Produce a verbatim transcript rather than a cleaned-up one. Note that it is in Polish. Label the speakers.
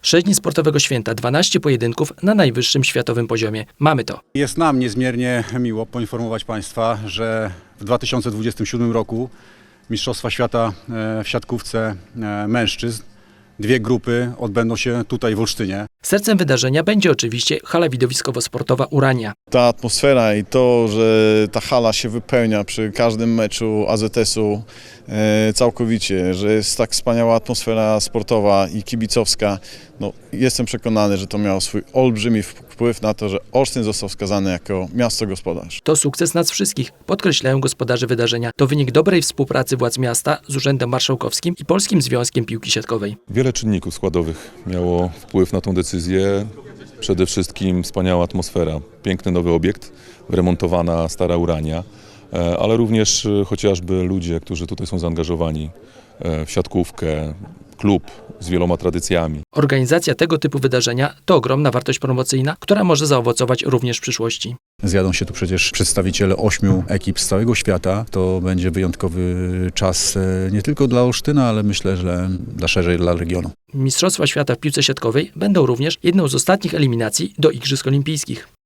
Speaker 1: sześć dni sportowego święta, dwanaście pojedynków na najwyższym światowym poziomie. Mamy to.
Speaker 2: Jest nam niezmiernie miło poinformować Państwa, że w dwa tysiące dwudziestym siódmym roku Mistrzostwa Świata w siatkówce mężczyzn, dwie grupy odbędą się tutaj w Olsztynie.
Speaker 1: Sercem wydarzenia będzie oczywiście hala widowiskowo-sportowa Urania.
Speaker 3: Ta atmosfera i to, że ta hala się wypełnia przy każdym meczu A Z S-u e, całkowicie, że jest tak wspaniała atmosfera sportowa i kibicowska, no, jestem przekonany, że to miało swój olbrzymi wpływ na to, że Olsztyn został wskazany jako miasto gospodarz.
Speaker 1: To sukces nas wszystkich, podkreślają gospodarze wydarzenia. To wynik dobrej współpracy władz miasta z Urzędem Marszałkowskim i Polskim Związkiem Piłki Siatkowej.
Speaker 4: Wiele czynników składowych miało wpływ na tę decyzję. Przede wszystkim wspaniała atmosfera, piękny nowy obiekt, wyremontowana stara Urania, ale również chociażby ludzie, którzy tutaj są zaangażowani w siatkówkę, klub z wieloma tradycjami.
Speaker 1: Organizacja tego typu wydarzenia to ogromna wartość promocyjna, która może zaowocować również w przyszłości.
Speaker 2: Zjadą się tu przecież przedstawiciele ośmiu ekip z całego świata. To będzie wyjątkowy czas nie tylko dla Olsztyna, ale myślę, że dla szerzej dla regionu.
Speaker 1: Mistrzostwa Świata w piłce siatkowej będą również jedną z ostatnich eliminacji do Igrzysk Olimpijskich.